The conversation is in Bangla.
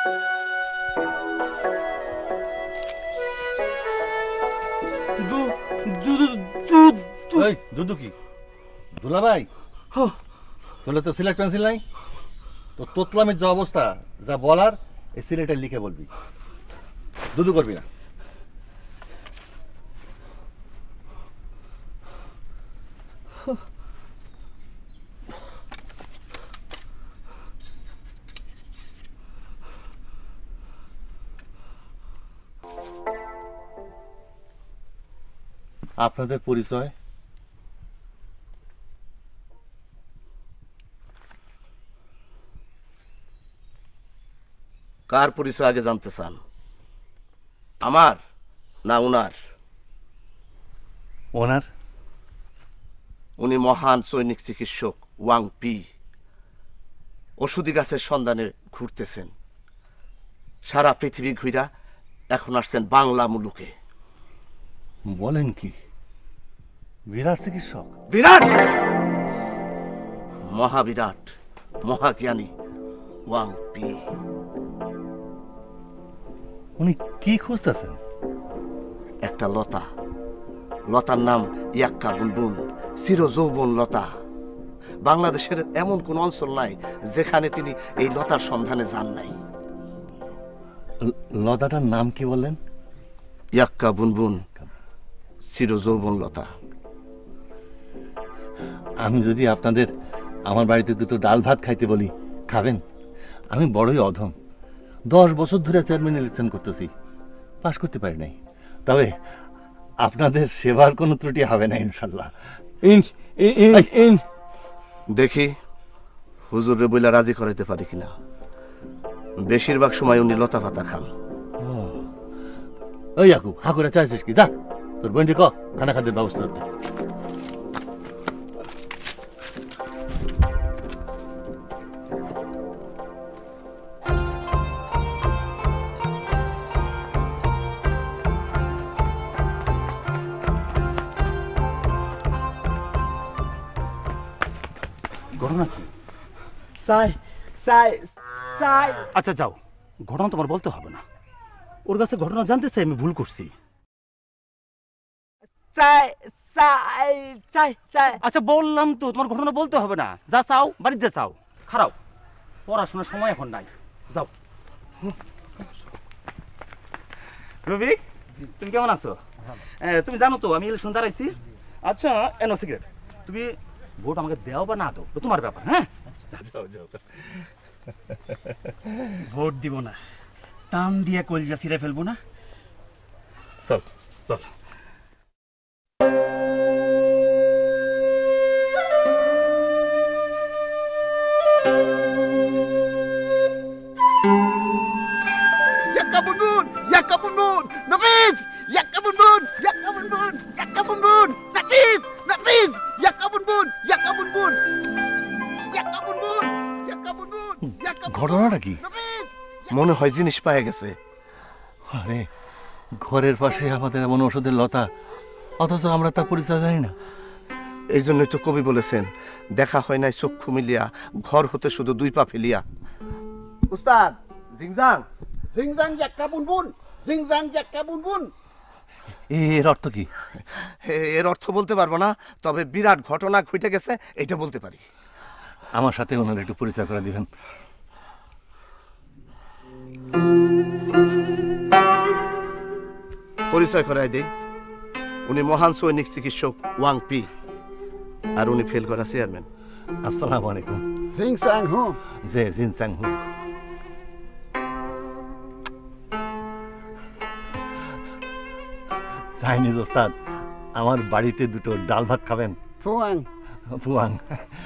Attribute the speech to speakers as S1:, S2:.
S1: দুদু কি দুলা ভাই? তোলে তো সিলেট পেন্সিল নাই তো, তোতলামের যে অবস্থা, যা বলার এই সিলেটে লিখে বলবি, দুদু করবি না। আপনাদের পরিচয়?
S2: কার পরিচয় আগে জানতে চান, আমার না উনার?
S1: ওনার।
S2: উনি মহান সৈনিক চিকিৎসক ওয়াং পি। ওষুধি গাছের সন্ধানে ঘুরতেছেন সারা পৃথিবী ঘুরা, এখন আসছেন বাংলা মুলুকে।
S1: বলেন কি? বিরাট চিকিৎসক?
S2: বিরাট, মহাবিরাট, মহাজ্ঞানী ওয়াং পি।
S1: উনি কি খুঁজতেছেন?
S2: একটা লতা, লতার নাম ইয়াক্কা বুনবুন, চির যৌবন লতা। বাংলাদেশের এমন কোন অঞ্চল নাই যেখানে তিনি এই লতার সন্ধানে যান নাই।
S1: লতাটার নাম কি বললেন?
S2: ইয়াক্কা বুনবুন, চির যৌবন লতা।
S1: আমি যদি আপনাদের আমার বাড়িতে দুটো ডাল ভাত খাইতে বলি, খাবেন? আমি বড়ই অধম, 10 বছর ধরে চেয়ারম্যান ইলেকশন করতেছি, পাশ করতে পারি নাই। তবে আপনাদের সেবার কোনো ত্রুটি হবে না ইনশাল্লাহ।
S2: দেখি হুজুরে বইলা রাজি করাইতে পারি কিনা। বেশিরভাগ সময় উনি লতা পাতা খান।
S1: ওই আকু হা করে চাইছিস কি? যা তোর বোনটি ক খানা খাদ্যের ব্যবস্থা করতে।
S3: ঘটনা কি? আচ্ছা যাও, ঘটনা তোমার বলতে হবে না। ওর কাছে ঘটনা জানতে চাই আমি ভুল করছি। আচ্ছা বললাম তো তোমার ঘটনা বলতে হবে না। যা চাও বাড়িতে যা চাও, খারাপ পড়াশোনার সময় এখন নাই, যাও। রবিক, তুমি কেমন আছো? তুমি জানো তো আমি ইলেকশন দাঁড়াইছি। আচ্ছা এনো সিগারেট, তুমি ভোট আমাকে দেও বা না দাও তোমার ব্যাপার। হ্যাঁ যাও যাও।
S4: ভোট দিব না, টান দিয়ে কলজা ছিঁড়ে ফেলবো না।
S3: চল চল।
S2: ইয়াক্কা বুনবুন, ইয়াক্কা বুনবুন, নাফিজ, ইয়াক্কা বুনবুন, ইয়াক্কা বুনবুন, ইয়াক্কা বুনবুন, নাফিজ, নাফিজ, ইয়াক্কা বুনবুন, ইয়াক্কা বুনবুন, ইয়াক্কা বুনবুন, ইয়াক্কা বুনবুন, ইয়াক্কা বুনবুন।
S1: ঘটনাটা কি?
S2: মনে হয় জিনিস পায়ে গেছে।
S1: আরে ঘরের পাশে আমাদের এমন ওষুধের লতা, অথচ আমরা তার পরিচয় জানি না।
S2: এই জন্যই তো কবি বলেছেন, দেখা হয় নাই চক্ষু মিলিয়া, ঘর হতে শুধু 2 পা ফেলিয়া। উস্তাদ জিংজাং, জিংজাং ইয়াক্কা বুনবুন, জিংজাং ইয়াক্কা বুনবুন।
S1: এর অর্থ কি?
S2: এর অর্থ বলতে পারবো না, তবে বিরাট ঘটনা ঘটে গেছে এটা বলতে পারি।
S1: আমার সাথে ওনার একটু পরিচয় করে দিবেন।
S2: পরিচয় করাই দেই, উনি মহান সৈনিক চিকিৎসক ওয়াং পি, আর উনি ফেল করা চেয়ারম্যান।
S1: আসসালামু আলাইকুম।
S5: জিংসাং হু।
S1: জে জিনসাং হু। চাইনিজ ওস্তাদ, আমার বাড়িতে দুটো ডাল ভাত খাবেন?
S5: ফুয়াং।
S1: ফুয়াং,